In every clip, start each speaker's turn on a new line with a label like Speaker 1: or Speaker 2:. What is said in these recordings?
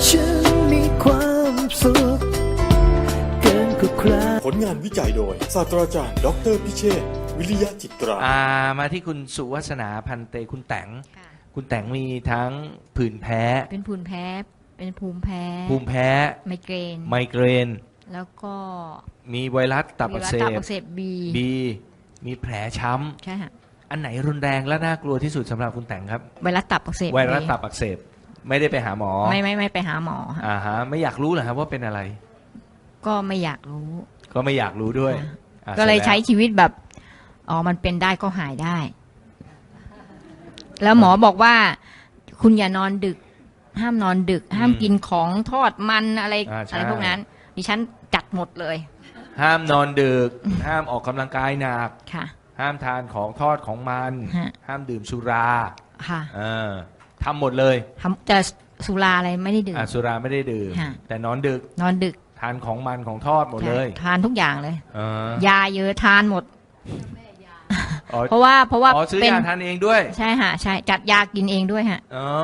Speaker 1: ฉันมีความสุขเกินกว่าใคร
Speaker 2: ผลงานวิจัยโดยศาสตราจารย์ดออเตอร์พิเชษฐ์วิริยะจิตรา
Speaker 3: มาที่คุณสุวัฒนาพันเตคุณแตง
Speaker 4: ค่ะ
Speaker 3: คุณแตงมีทั้งผื่นแพ้
Speaker 4: เป็นผื่นแพ้ เป็นภูมิแพ้
Speaker 3: ภูมิแพ้
Speaker 4: ไมเกรน
Speaker 3: ไมเกรน
Speaker 4: แล้วก็
Speaker 3: มีไวรัสตับอักเส
Speaker 4: มีวัณตั
Speaker 3: บ
Speaker 4: อักเสบบี
Speaker 3: บีมีแผลช้
Speaker 4: ใช่ค่ะ
Speaker 3: ำอันไหนรุนแรงและน่ากลัวที่สุดสำหรับคุณแตงครับ
Speaker 4: ไวรัสตับอักเสบ
Speaker 3: ไวรัสตับอักเสบไม่ได้ไปหาหมอ
Speaker 4: ไม่ไปหาหมอค่ะ
Speaker 3: ไม่อยากรู้เหรอครับว่าเป็นอะไร
Speaker 4: ก็ไม่อยากรู้
Speaker 3: ก็ไม่อยากรู้ด้วย
Speaker 4: ค่ะ
Speaker 3: อ่ะ
Speaker 4: ก็เลย
Speaker 3: สร็จแว
Speaker 4: ใช้ชีวิตแบบอ๋อมันเป็นได้ก็หายได้ แล้วหมอบอกว่า คุณอย่านอนดึก ห้ามนอนดึก ห้ามกินของทอดมันอะไร
Speaker 3: ใช่
Speaker 4: อะไรพวกนั้น ดิฉันจัดหมดเลย
Speaker 3: ห้ามนอนดึก ห้ามออกกำลังกายหนัก
Speaker 4: ค่ะ
Speaker 3: ห้ามทานของทอดของมัน
Speaker 4: ฮะ
Speaker 3: ห้ามดื่มสุรา
Speaker 4: ค่ะ
Speaker 3: ทำหมดเลย
Speaker 4: จะสุราอะไรไม่ได้ดื่ม
Speaker 3: สุราไม่ได้ดื่ม
Speaker 4: ฮะ
Speaker 3: แต่นอนดึก
Speaker 4: นอนดึก
Speaker 3: ทานของมันของทอดหมดเลย
Speaker 4: ทานทุกอย่างเลย
Speaker 3: เออย
Speaker 4: าเยอะทานหมด
Speaker 3: อ๋อ
Speaker 4: เพราะว่า
Speaker 3: อ๋อซื้อ
Speaker 4: เป็น
Speaker 3: ยาทานเองด้วย
Speaker 4: ใช่ฮะใช่จัดยากินเองด้วยฮะ
Speaker 3: อ๋อ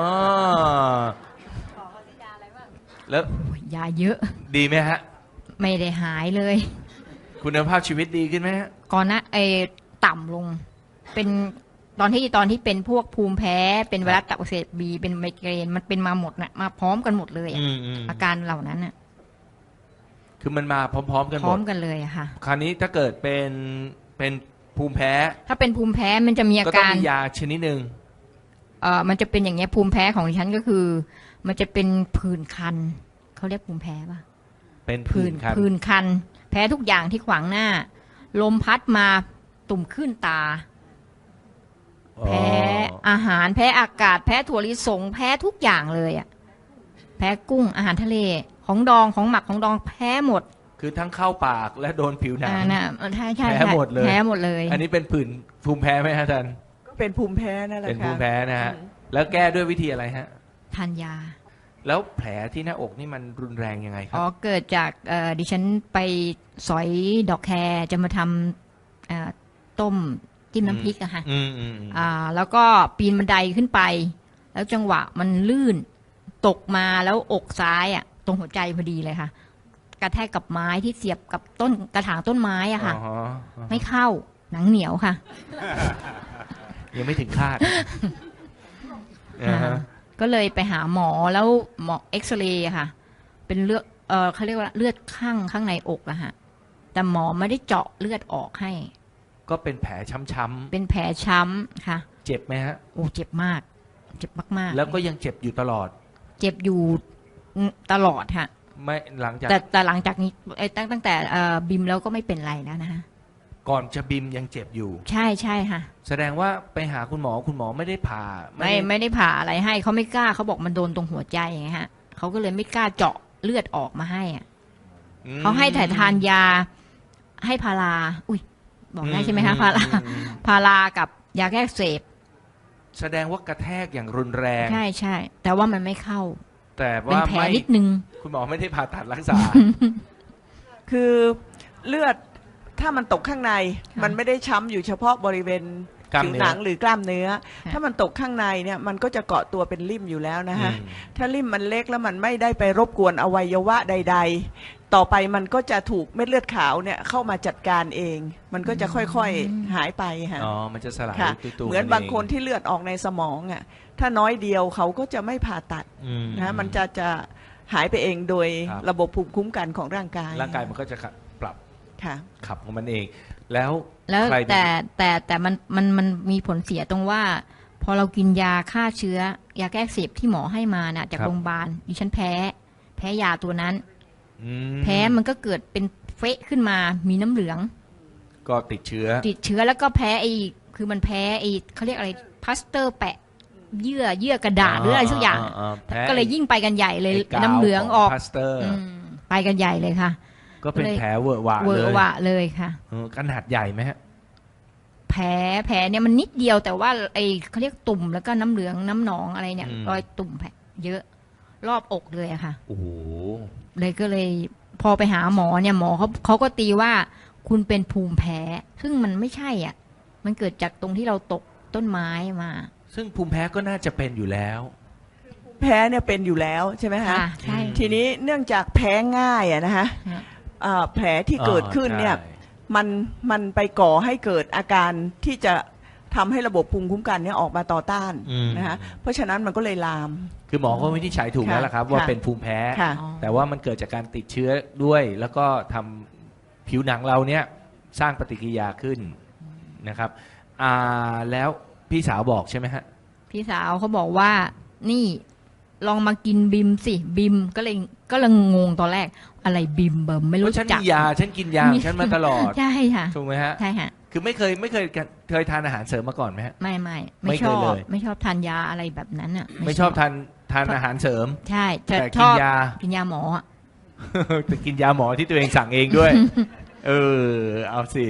Speaker 3: แล้ว
Speaker 4: ยาเยอะ
Speaker 3: ดีไหมฮะ
Speaker 4: ไม่ได้หายเลย
Speaker 3: คุณภาพชีวิตดีขึ้นไหมฮะ
Speaker 4: ก่อนนะต่ำลง เป็นตอนที่เป็นพวกภูมิแพ้ เป็นไวรัสตับอักเสบบีเป็นไมเกรนมันเป็นมาหมดนะมาพร้อมกันหมดเลยอะ
Speaker 3: อืม
Speaker 4: อาการเหล่านั้นน่ะ
Speaker 3: คือมันมาพร้อมๆกัน
Speaker 4: พ
Speaker 3: หม
Speaker 4: ร้อ
Speaker 3: ด
Speaker 4: มกันเลยอะค่ะ
Speaker 3: คราวนี้ถ้าเกิดเป็นภูมิแพ้
Speaker 4: ถ้าเป็นภูมิแพ้มันจะมีอา
Speaker 3: ก็ต้อง
Speaker 4: การ
Speaker 3: มียาชนิดหนึ่ง
Speaker 4: มันจะเป็นอย่างเงี้ยภูมิแพ้ของดิฉันก็คือ มันจะเป็นผื่นคันเขาเรียกภูมิแพ้ป่ะ
Speaker 3: เป็นผื่นคัน
Speaker 4: ผื่นคัน แพ้ทุกอย่างที่ขวางหน้า ลมพัดมาตุ่มขึ้นตา แพ้อาหารแพ้อากาศ แพ้ถั่วลิสง แพ้ทุกอย่างเลยอ่ะแพ้กุ้งอาหารทะเลของดองของหมักของดองแพ้หมด
Speaker 3: คือทั้งเข้าปากและโดนผิวหนัง
Speaker 4: น่ะใช่ใช่
Speaker 3: แพ้หมดเลย
Speaker 4: แพ้หมดเลย
Speaker 3: อันนี้เป็นผื่นภูมิแพ้ไหมฮะอาจารย์
Speaker 5: ก็เป็นภูมิแพ้นั่นแหละ
Speaker 3: เป็น
Speaker 5: ค่ะ
Speaker 3: ภูมิแพ้นะฮะ แล้วแก้ด้วยวิธีอะไรฮะ
Speaker 4: ทานยา
Speaker 3: แล้วแผลที่หน้าอกนี่มันรุนแรงยังไงครั
Speaker 4: อ๋อเกิดจากดิฉันไปสอยดอกแครจะมาทำต้มจิ้มน้ำพริกอะค่ะ
Speaker 3: อืม
Speaker 4: แล้วก็ปีนบันไดขึ้นไป แล้วจังหวะมันลื่นตกมาแล้วอกซ้ายอ่ะ ตรงหัวใจพอดีเลยค่ะ กระแทกกับไม้ที่เสียบกับต้นกระถางต้นไม้อ่ะค่ะ
Speaker 3: อ๋อ
Speaker 4: ไม่เข้าหนังเหนียวค่ะ
Speaker 3: ยังไม่ถึงคาดอ่าฮะ
Speaker 4: ก็เลยไปหาหมอแล้วหมอเอ็กซเรย์อะค่ะ เป็นเลือดเขาเรียกว่าเลือดข้างในอกอะฮะแต่หมอไม่ได้เจาะเลือดออกให้
Speaker 3: ก็เป็นแผลช้ำ
Speaker 4: เป็นแผลช้ำค่ะ
Speaker 3: ๆเจ็บไหมฮะ
Speaker 4: โอ้เจ็บมาก เจ็บมากๆ
Speaker 3: แล้วก็ยังเจ็บอยู่ตลอด
Speaker 4: เจ็บอยู่ตลอดค่ะ
Speaker 3: ไม่หลังจาก
Speaker 4: แต่หลังจากนี้ตั้งแต่บิมแล้วก็ไม่เป็นไรแล้วนะคะ
Speaker 3: ก่อนจะบิมยังเจ็บอยู่
Speaker 4: ใช่ใช่ค่ะ
Speaker 3: แสดงว่าไปหาคุณหมอไม่ได้ผ่า
Speaker 4: ไม่ได้ผ่าอะไรให้เขาไม่กล้าเขาบอกมันโดนตรงหัวใจไงฮะเขาก็เลยไม่กล้าเจาะเลือดออกมาให้อะ
Speaker 3: อืม
Speaker 4: เขาให้ถ่ายทานยาให้พาราอุ้ยบอกได้ใช่ไหมคะพารา
Speaker 3: อืม
Speaker 4: พารากับยาแก้อักเสพ
Speaker 3: แสดงว่ากระแทกอย่างรุนแรง
Speaker 4: ใช่ใช่แต่ว่ามันไม่เข้า
Speaker 3: แต่
Speaker 4: เป็น
Speaker 3: ว่า
Speaker 4: แผล
Speaker 3: ไม่
Speaker 4: นิดนึง
Speaker 3: คุณหมอไม่ได้ผ่าตัดรักษา
Speaker 5: คือเลือดถ้ามันตกข้างใน
Speaker 4: ค่ะ
Speaker 5: มันไม่ได้ช้ำอยู่เฉพาะบริเวณ
Speaker 3: กล้าม
Speaker 5: ผิว
Speaker 3: เนื้อ
Speaker 5: หนังหรือกล้ามเนื้อ
Speaker 4: ค่ะ
Speaker 5: ถ้ามันตกข้างในเนี่ยมันก็จะเกาะตัวเป็นริ่มอยู่แล้วนะคะ
Speaker 3: อืม
Speaker 5: ถ้าริ่มมันเล็กแล้วมันไม่ได้ไปรบกวนอวัยวะใด ๆ ต่อไปมันก็จะถูกเม็ดเลือดขาวเนี่ยเข้ามาจัดการเอง มันก็จะค่อยๆหายไปค่ะ
Speaker 3: อ๋อ มันจะสลาย
Speaker 5: ค่ะ
Speaker 3: ตัวๆ
Speaker 5: เหมือนบางคนที่เลือดออกในสมองอ่ะถ้าน้อยเดียวเขาก็จะไม่ผ่าตัด
Speaker 3: อืม
Speaker 5: นะมันจะหายไปเองโดย
Speaker 3: ครับ
Speaker 5: ระบบภูมิคุ้มกันของร่างกาย
Speaker 3: ร่างกายมันก็จะปรับ
Speaker 5: ค่ะ
Speaker 3: ขับของมันเอง แล้ว
Speaker 4: แล้ว
Speaker 3: ใครเป็น
Speaker 4: แต่มันมีผลเสียตรงว่า พอเรากินยาฆ่าเชื้อยาแก้อักเสบที่หมอให้มาน่ะจากโรงพยาบาลดิฉันแพ้ยาตัวนั้น
Speaker 3: อืม
Speaker 4: แพ้มันก็เกิดเป็นเฟะขึ้นมามีน้ำเหลือง
Speaker 3: ก็ติดเชื้อ
Speaker 4: ติดเชื้อแล้วก็แพ้คือมันแพ้เขาเรียกอะไรพลาสเตอร์แปะเยื่อกระดาษหรืออะไรสักอย่าง
Speaker 3: แพ้
Speaker 4: ก็เลยยิ่งไปกันใหญ่เลย
Speaker 3: ไกาว
Speaker 4: น้ำเหลืองออก
Speaker 3: พลาสเตอร์
Speaker 4: อืมไปกันใหญ่เลยค่ะ
Speaker 3: ก็เป็นแผลเวอะหวะ
Speaker 4: เว
Speaker 3: เล
Speaker 4: อะ
Speaker 3: ย
Speaker 4: หวะเลยค่ะ
Speaker 3: ขนาดใหญ่ไหมฮะ
Speaker 4: แผลเนี่ยมันนิดเดียวแต่ว่าเขาเรียกตุ่มแล้วก็น้ำเหลืองน้ำหนองอะไรเนี่ย
Speaker 3: อืม
Speaker 4: รอยตุ่มแผลเยอะรอบอกเลยอะค่ะ
Speaker 3: โอ้โห
Speaker 4: เลยก็เลยพอไปหาหมอเนี่ยหมอเขาก็ตีว่าคุณเป็นภูมิแพ้ ซึ่งมันไม่ใช่อ่ะ มันเกิดจากตรงที่เราตกต้นไม้มา
Speaker 3: ซึ่งภูมิแพ้ก็น่าจะเป็นอยู่แล้ว
Speaker 5: แพ้เนี่ยเป็นอยู่แล้วใช่ไหมคะ
Speaker 4: ค่ะใช่
Speaker 5: ทีนี้เนื่องจากแพ้ง่ายอะนะคะ
Speaker 4: ฮะ
Speaker 5: แผลที่เกิดขึ้นเนี่ย
Speaker 3: ใช่
Speaker 5: มันไปก่อให้เกิดอาการที่จะทำให้ระบบภูมิคุ้มกันเนี่ยออกมาต่อต้านนะคะเพราะฉะนั้นมันก็เลยลาม
Speaker 3: คือหมอก็วินิจฉัยถูกแล้วล่ะครับ ว่า
Speaker 5: ค่ะ
Speaker 3: เป็นภูมิแพ้
Speaker 5: ค่ะ
Speaker 3: แต่ว่ามันเกิดจากการติดเชื้อด้วย แล้วก็ทำผิวหนังเราเนี่ยสร้างปฏิกิริยาขึ้นนะครับแล้วพี่สาวบอกใช่ไหมฮะ
Speaker 4: พี่สาวเขาบอกว่า นี่ลองมากินบิมสิบิมก็เลยงงตอนแรก อะไรบิมเบิมไม่
Speaker 3: เพ
Speaker 4: รู้
Speaker 3: ราะฉัน
Speaker 4: จัก
Speaker 3: มียาฉันกินยาของฉันมาตลอด
Speaker 4: ใช่ค่ะ
Speaker 3: ถูกไหมฮะ
Speaker 4: ใช่ค่ะ
Speaker 3: คือไม่เคยทานอาหารเสริมมาก่อนไหมฮะ
Speaker 4: ไม่
Speaker 3: ไม่
Speaker 4: ไม่
Speaker 3: เค
Speaker 4: ช
Speaker 3: ย
Speaker 4: อบ
Speaker 3: เลย
Speaker 4: ไม่ชอบทานยาอะไรแบบนั้นอ่ะ
Speaker 3: ไม่ชอบทานอาหารเสริม
Speaker 4: ใช่จะ
Speaker 3: แต่
Speaker 4: ช
Speaker 3: กิน
Speaker 4: อบ
Speaker 3: ยา
Speaker 4: กินยาหมออะ
Speaker 3: แต่กินยาหมอที่ตัวเองสั่งเองด้วย เอาสิ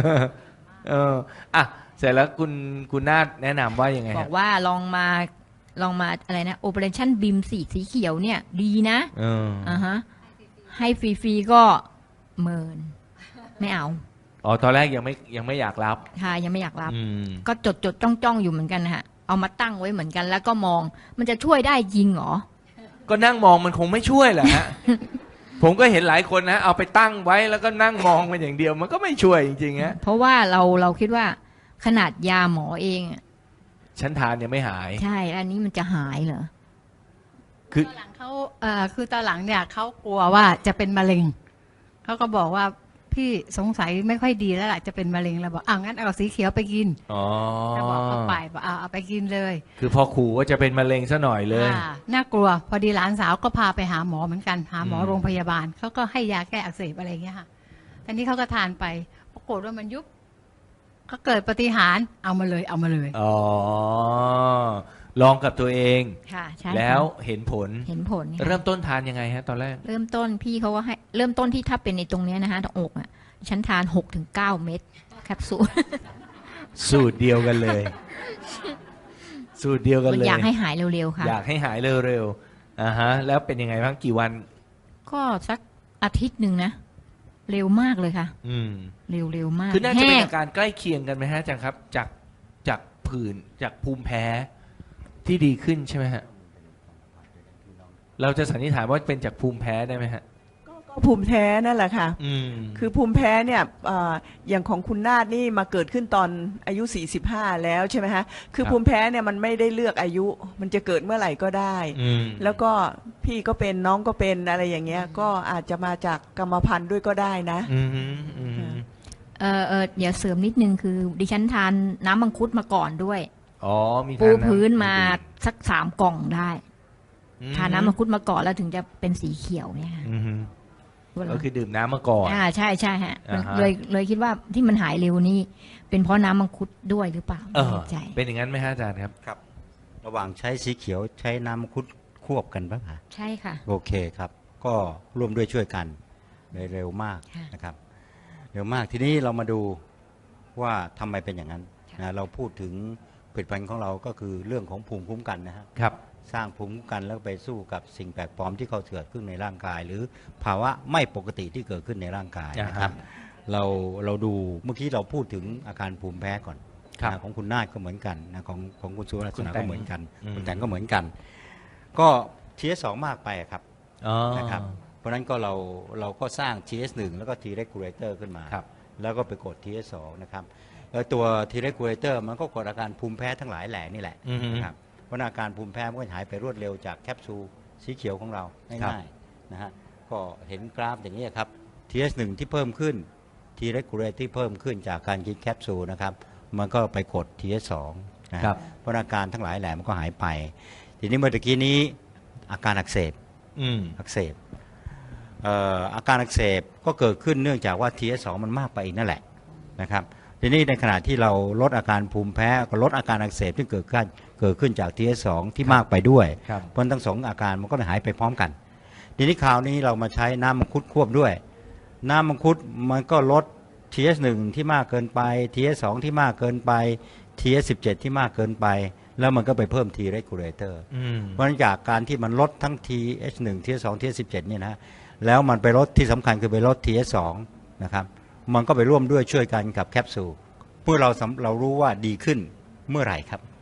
Speaker 3: อ่ะเสร็จแล้วคุณนาฏแนะนำว่ายังไง
Speaker 4: บ
Speaker 3: ฮะ
Speaker 4: อกว่าลองมาอะไรนะ Operation BIM สีเขียวเนี่ย ดีนะ ฮะ ให้ฟรีๆก็เมินไม่เอา
Speaker 3: อ๋อตอนแรกยังไม่อยากรับ
Speaker 4: ค่ะยังไม่อยากรับ
Speaker 3: อืม
Speaker 4: ก็จดจ้องอยู่เหมือนกันนะฮะ เอามาตั้งไว้เหมือนกันแล้วก็มองมันจะช่วยได้จริงเหรอ
Speaker 3: ก็นั่งมองมันคงไม่ช่วยแหละฮะ ผมก็เห็นหลายคนนะเอาไปตั้งไว้แล้วก็นั่งมองมันอย่างเดียว มันก็ไม่ช่วยจริงๆฮะ
Speaker 4: เพราะว่าเราคิดว่าขนาดยาหมอเองอะ
Speaker 3: ฉันทานยังไม่หาย
Speaker 4: ใช่แล้วอันนี้มันจะหายเหรอ
Speaker 3: คือ
Speaker 6: ตอนหลังเขาคือตอนหลังเนี่ยเขากลัวว่าจะเป็นมะเร็งเขาก็บอกว่าพี่สงสัยไม่ค่อยดีแล้วล่ะจะเป็นมะเร็งแล้วบอกงั้นเอาสีเขียวไปกิน
Speaker 3: อ๋อ
Speaker 6: ก็บอกเขาไปบอกเอาไปกินเลย
Speaker 3: คือพอขู่ว่าจะเป็นมะเร็งซะหน่อยเลย
Speaker 6: น่ากลัว พอดีหลานสาวก็พาไปหาหมอเหมือนกันหาหมอ
Speaker 3: อืม
Speaker 6: โรงพยาบาลเขาก็ให้ยาแก้อักเสบอะไรอย่างเงี้ยค่ะตอนนี้เขาก็ทานไปปรากฏว่ามันยุบก็เกิดปาฏิหารย์เอามาเลย
Speaker 3: อ๋อลองกับตัวเอง
Speaker 4: ค่ะใช่ค่ะ
Speaker 3: แล้วเห็นผล
Speaker 4: เห็นผลค่ะ
Speaker 3: เริ่มต้นทานยังไงฮะ ตอนแรก
Speaker 4: เริ่มต้นพี่เขาก็ให้เริ่มต้นที่ถ้าเป็นในตรงเนี้ยนะคะตรงอกอ่ะฉันทาน6-9 เม็ดแคปซูล
Speaker 3: สูตรเดียวกันเลย สูตรเดียวกันเลย
Speaker 4: อยากให้หายเร็วๆค่ะ
Speaker 3: อยากให้หายเร็วๆฮะ แล้วเป็นยังไงบ้างกี่วัน
Speaker 4: ก็สักอาทิตย์หนึ่งนะ เร็วมากเลยค่ะ
Speaker 3: อืม
Speaker 4: เร็วมาก
Speaker 3: คือน่าจะเป็น
Speaker 4: แห้ง
Speaker 3: อาการใกล้เคียงกันไหมฮะอาจารย์ครับ จากผื่นจากภูมิแพ้ที่ดีขึ้นใช่ไหมฮะ เราจะสันนิษฐานว่าเป็นจากภูมิแพ้ได้ไหมฮะ
Speaker 5: ก็ภูมิแพ้นั่นแหละค่ะ
Speaker 3: อืม
Speaker 5: คือภูมิแพ้เนี่ยอย่างของคุณนาฏนี่มาเกิดขึ้นตอนอายุ 45 แล้วใช่ไหมฮะคือภูมิแพ้เนี่ยมันไม่ได้เลือกอายุ มันจะเกิดเมื่อไหร่ก็ได้
Speaker 3: อืม
Speaker 5: แล้วก็พี่ก็เป็นน้องก็เป็นอะไรอย่างเงี้ยก็อาจจะมาจากกรรมพันธุ์ด้วยก็ได้นะ
Speaker 3: อืมอืม
Speaker 4: เดี๋ยวเสริมนิดนึงคือ ดิฉันทานน้ำมังคุดมาก่อนด้วย
Speaker 3: อ๋อมี
Speaker 4: ปู
Speaker 3: ทาำ
Speaker 4: พื้นมาสัก3 กล่องได้
Speaker 3: อื
Speaker 4: ทานน้ำมังคุดมาก่อนแล้วถึงจะเป็นสีเขียวเนี่ยค่ะ
Speaker 3: อืมก็คือดื่มน้ำมาก่อน
Speaker 4: ใช่ฮะ
Speaker 3: อ่าฮะ
Speaker 4: เลยคิดว่าที่มันหายเร็วนี่เป็นเพราะน้ำมังคุดด้วยหรือเปล่า
Speaker 3: เอ
Speaker 4: ไม่
Speaker 3: อ
Speaker 4: แน่ใจ
Speaker 3: เป็นอย่างนั้นไหมฮะอาจารย์ครับ
Speaker 7: ครับระหว่างใช้สีเขียวใช้น้ำมังคุดควบกันปะคะ
Speaker 4: ใช่ค่ะ
Speaker 7: โอเคครับ ก็ร่วมด้วยช่วยกันเลยเร็วมาก
Speaker 4: ค่ะ
Speaker 7: นะครับเร็วมากทีนี้เรามาดูว่าทำไมเป็นอย่างนั้นนะเราพูดถึงผลิตภัณฑ์ของเราก็คือเรื่องของภูมิคุ้มกันนะฮะ
Speaker 3: ครับ
Speaker 7: สร้างภูมิคุ้มกันแล้วไปสู้กับสิ่งแปลกปลอมที่เขาเกิดขึ้นในร่างกาย หรือภาวะไม่ปกติที่เกิดขึ้นในร่างกายนะครับ เราดูเมื่อกี้เราพูดถึงอาการภูมิแพ้ก่อน
Speaker 3: ครับ
Speaker 7: นะของคุณนาฏก็เหมือนกันนะของคุณสุรัต
Speaker 3: คุณ
Speaker 7: นา
Speaker 3: แตง
Speaker 7: ก็เหมือนกัน
Speaker 3: อืม
Speaker 7: คุณแตงก็เหมือนกัน ก็ TS2 มากไปครับ
Speaker 3: อ๋อ
Speaker 7: นะครับเพราะฉะนั้นก็เราก็สร้าง TS1 แล้วก็ T regulator ขึ้นมา
Speaker 3: ครับ
Speaker 7: แล้วก็ไปกด TS2 นะครับแล้วตัว T regulator มันก็กดอาการภูมิแพ้ทั้งหลายแหล่นี่แหละ
Speaker 3: อือฮึ
Speaker 7: นะครับเพราะอาการภูมิแพ้มันก็หายไปรวดเร็วจากแคปซูลสีเขียวของเรา
Speaker 3: ครับ
Speaker 7: ง่ายๆนะฮะก็เห็นกราฟอย่างนี้ครับ TS1 ที่เพิ่มขึ้น T regulator ที่เพิ่มขึ้นจากการกินแคปซูลนะครับมันก็ไปกด TS2 นะฮะ
Speaker 3: ครับ
Speaker 7: เพราะอาการทั้งหลายแหล่มันก็หายไป ทีนี้เมื่อกี้นี้อาการอักเสบ
Speaker 3: อืม
Speaker 7: อักเสบอาการอักเสบก็เกิดขึ้นเนื่องจากว่า TS2 มันมากไปอีกนั่นแหละนะครับทีนี้ในขณะที่เราลดอาการภูมิแพ้ก็ลดอาการอักเสบที่เกิดขึ้นจาก TS2 ที่มากไปด้วย
Speaker 3: ครับ
Speaker 7: เพราะทั้งสองอาการมันก็หายไปพร้อมกันทีนี้คราวนี้เรามาใช้น้ำมังคุดควบด้วย น้ำมังคุดมันก็ลด TS1 ที่มากเกินไป TS2 ที่มากเกินไป TS17 ที่มากเกินไป แล้วมันก็ไปเพิ่ม T regulator
Speaker 3: อืม
Speaker 7: เพราะฉะนั้นจากการที่มันลดทั้ง TH1 TH2 TH17 เนี่ยนะแล้วมันไปลดที่สำคัญคือไปลด TH2 นะครับมันก็ไปร่วมด้วยช่วยกันกับแคปซูลเพื่อเรารู้ว่าดีขึ้นเมื่อไหร่ครับ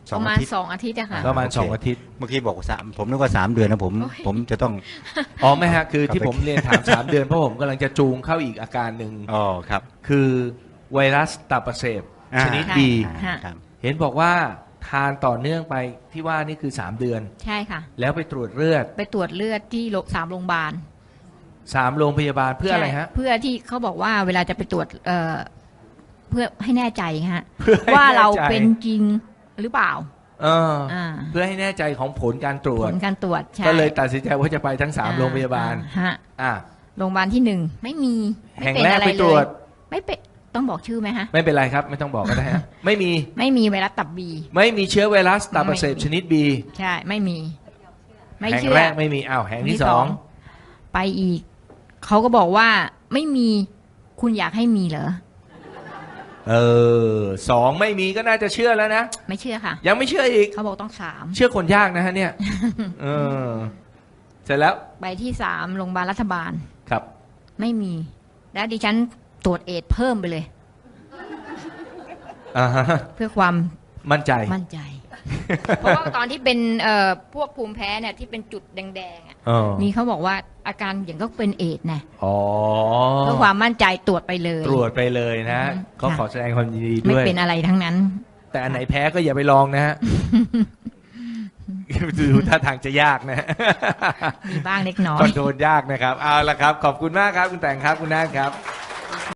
Speaker 7: ส
Speaker 4: ป
Speaker 7: อง
Speaker 4: ระมา
Speaker 7: อา
Speaker 4: ณ
Speaker 7: ทิตย์
Speaker 4: 2 อาทิตย์อะค่ะ
Speaker 3: ประมาณ
Speaker 7: โอเค
Speaker 3: 2 อาทิตย์
Speaker 7: เมื่อกี้บอก3ผมนึกว่า3 เดือนนะผมจะต้อง
Speaker 3: อ๋อไม่ฮะคือ
Speaker 7: ครับ
Speaker 3: ที่ผมเรียนถาม 3 เดือนเพราะผมกำลังจะจูงเข้าอีกอาการหนึ่ง
Speaker 7: อ๋อครับ
Speaker 3: คือไวรัสตับอักเสบ
Speaker 7: อ่า
Speaker 3: ชนิด
Speaker 4: ค่ะ
Speaker 3: B
Speaker 4: ค่ะ
Speaker 7: ครับ
Speaker 3: เห็นบอกว่าทานต่อเนื่องไปที่ว่านี่คือ3 เดือน
Speaker 4: ใช่ค่ะ
Speaker 3: แล้วไปตรวจเลือด
Speaker 4: ไปตรวจเลือดที่3 โรงพยาบาล
Speaker 3: 3 โรงพยาบาลเพื่ออะไรฮะ
Speaker 4: ใช่เพื่อที่เขาบอกว่าเวลาจะไปตรวจเพื่อให้แน่ใจฮะ
Speaker 3: เพื่อให้
Speaker 4: ว่าเรา
Speaker 3: แน่ใจ
Speaker 4: เป็นจริงหรือเปล่า
Speaker 3: เออ
Speaker 4: อ่า
Speaker 3: เพื่อให้แน่ใจของผลการตรว
Speaker 4: ผ
Speaker 3: จ
Speaker 4: ลการตรวจใช่
Speaker 3: ก็เลยตัดสินใจว่าจะไปทั้ง 3 โรงพยาบาล
Speaker 4: ฮะ
Speaker 3: อ่ะ
Speaker 4: โรงพยาบาลที่1ไม่มีไม่
Speaker 3: แห่ง
Speaker 4: เป็น
Speaker 3: แรก
Speaker 4: อะไร
Speaker 3: ไป
Speaker 4: เล
Speaker 3: ตรวย จ
Speaker 4: ไม่เป็นต้องบอกชื่อไหมฮะ
Speaker 3: ไม่เป็นไรครับ ไม่ต้องบอกก็ได้ฮะ ไม่มี
Speaker 4: ไม่มีไวรัสตับบี
Speaker 3: ไม่มีเชื้อไวรัสตับอักเสบชนิด B
Speaker 4: ใช่ไม่มี ไม่
Speaker 3: แห่ง
Speaker 4: เชื่อ
Speaker 3: แรกไม่มีอ้าวแห่งที่สอง
Speaker 4: ไปอีก เขาก็บอกว่าไม่มีคุณอยากให้มีเหรอ
Speaker 3: 2ไม่มีก็น่าจะเชื่อแล้วนะ
Speaker 4: ไม่เชื่อค่ะ
Speaker 3: ยังไม่เชื่ออีก
Speaker 4: เขาบอกต้อง3
Speaker 3: เชื่อคนยากนะฮะเนี่ย เออ เสร็จแล้ว
Speaker 4: ไปที่3โรงพยาบาลรัฐบาล
Speaker 3: ครับ
Speaker 4: ไม่มี แล้วดิฉันตรวจเอดส์เพิ่มไปเลย
Speaker 3: อ่าฮะ
Speaker 4: เพื่อความ
Speaker 3: มั่นใจ
Speaker 4: มั่นใจ เพราะว่าตอนที่เป็นพวกภูมิแพ้เนี่ยที่เป็นจุดแดงๆอ่ะ
Speaker 3: เออ
Speaker 4: นี่เขาบอกว่าอาการอย่างก็เป็นเอดส์นะ
Speaker 3: อ๋อ
Speaker 4: เพื่อความมั่นใจตรวจไปเลย
Speaker 3: ตรวจไปเลยนะ
Speaker 4: อืม
Speaker 3: ก็
Speaker 4: ค่ะ
Speaker 3: ขอแสดงความยินดี
Speaker 4: ไม่
Speaker 3: ด้วย
Speaker 4: เป็นอะไรทั้งนั้น
Speaker 3: แต่อันไหนแพ้ก็อย่าไปลองนะฮะ ดูท่าทางจะยากนะ
Speaker 4: มีบ้างเล็กน้อ
Speaker 3: คอย นโทรลยากนะครับ เอาละครับ ขอบคุณมากครับ คุณแต่งครับ คุณนาฏครับ